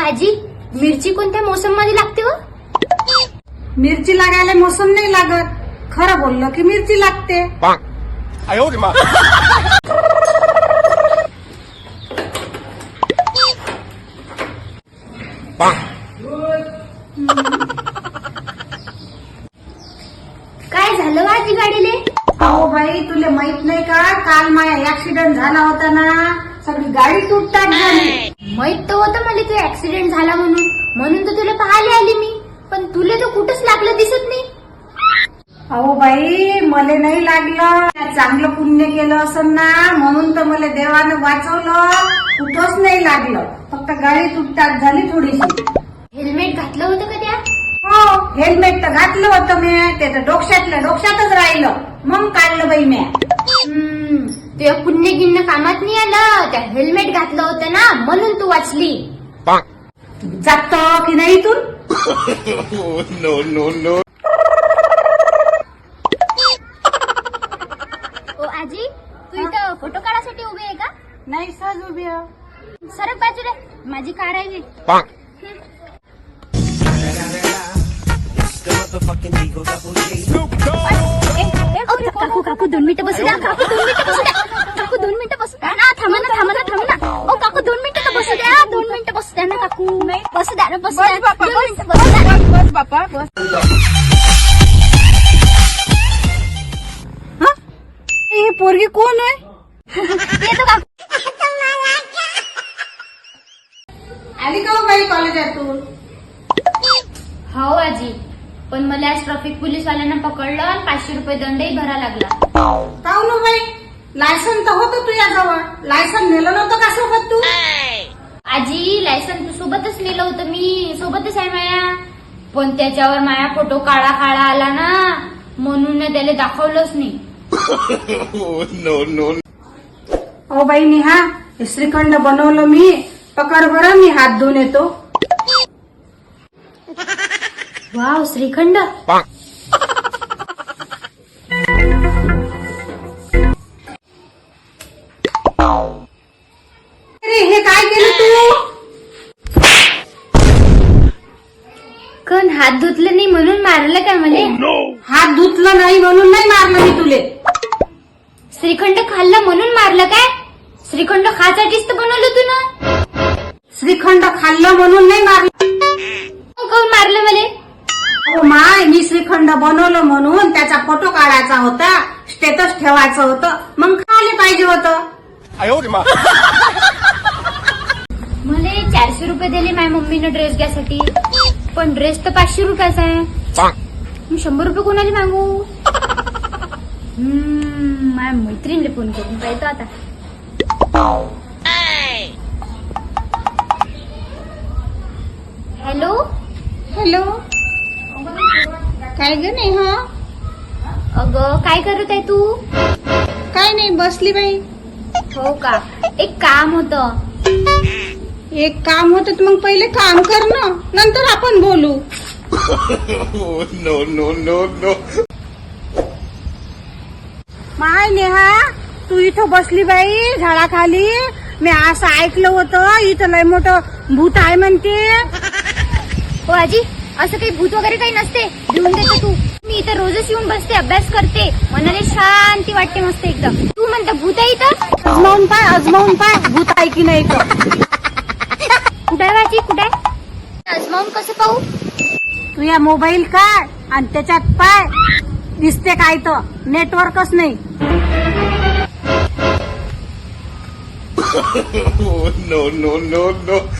आजी, मिरची कोणत्या मोसम मध्ये लागते व? मिरची लागायला मोसम नाही लागत. खरं बोललो की मिरची लागते. काय झालं व आजी गाडीले? अहो बाई, तुले माहित नाही का, काल माझा ऍक्सिडेंट झाला होता ना, सगळी गाडी तुटतात झाली. माहित तर होतं मला तू ऍक्सिडेंट झाला म्हणून तर तुला पाहायला आली मी. पण तुला तर कुठंच लागलं दिसत नाही. अहो बाई, मला नाही लागलं. चांगलं पुण्य केलं असं ना, म्हणून तर मला देवानं वाचवलं. कुठंच नाही लागलं, फक्त गाडी तुटतात झाली थोडीशी. हेल्मेट घातलं होतं का त्या? हो, हेल्मेट तर घातलं होतं मी. ते तर डोक्यातच राहिलं. मग काढलं बाई मी. तुझ्या पुण्य गिन्न कामात नाही आलं. त्या हेल्मेट घातलं होतं ना, म्हणून तू वाचली. जातो की नाही इथून? ओ आजी, तू इथं फोटो काढायसाठी उभी आहे का? नाही, सहज उभी आहे. सरक बाजूला, माझी कार आहे. काकू 2 मिनिटं बसू द्या. काकू 2 मिनिटं बसू द्या. काकू 2 मिनिटं बसू द्या ना. थांबा ना. ओ काकू 2 मिनिटं तर बसू द्या. 2 मिनिटं बसू द्या ना काकू. बसू द्या ना, बसू द्या. 2 मिनिटं बसू द्या. बस बापा, बस. ही पोरगी कोण आहे? येतो काकू. आली का हो बाई कॉलेजातून? हो आजी, पण मला आज ट्रॅफिक पोलीसवाल्यांना पकडलं आणि 500 रुपये दंडही भरा लागला. काहून हो बाई? लायसन तर होतं तुझ्याजवळ. लायसन नेलं नव्हतं का सोबत तू? आजी, लायसन सोबतच नेलं होतं मी. सोबतच आहे माया. पण त्याच्यावर माया फोटो काळा आला ना, म्हणून त्याला दाखवलंच नाही. ओ बाई निहा, हे श्रीखंड बनवलं मी. पकड बरं, मी हात धुवून येतो. वाव, श्रीखंड. अरे, हे काय केलं तू? कण हात धुतलं नाही म्हणून मारलं का मला? हात धुतलं नाही म्हणून नाही मारलं मी तुले. श्रीखंड खाल्लं म्हणून मारलं काय? श्रीखंड खासाठीच तर बनवलं तू ना. श्रीखंड खाल्लं म्हणून नाही मारलं. काऊन मारलं मला? हो माय, मी श्रीखंड बनवलं म्हणून त्याचा फोटो काढायचा होता, स्टेटस ठेवायचं होतं, मग खाली पाहिजे होतं. मला 400 रुपये दिले माझ्या मम्मीनं ड्रेस घ्यासाठी. पण ड्रेस तर 500 रुपयाचा आहे. मी 100 रुपये कोणाला मागू? माझ्या मैत्रिणीला फोन करून पाहतो आता. हॅलो. हॅलो, काय ग नेहा? अगं, काय करत आहे तू? काय नाही, बसली बाई. हो का? एक काम होतं. एक काम होतं तर मग पहिले काम कर ना, नंतर आपण बोलू. माय नेहा, तू इथं बसली बाई झाडाखाली. मी असं ऐकलं होतं इथं लय मोठं भूत आहे म्हणते. हो आजी, असं काही भूत वगैरे काही नसते. घेऊन देतो तू. मी इथं रोजच येऊन बसते, अभ्यास करते. मनाला शांती वाटते मस्त एकदम. तू म्हणता भूत आहे इथं? अजमावून पाय भूत आहे की नाही तर. कुठे आजी, कुठे? अजमावून कसं पाहू? तू या मोबाईल काढ आणि त्याच्यात पाय दिसते काय तर. नेटवर्कच नाही. no.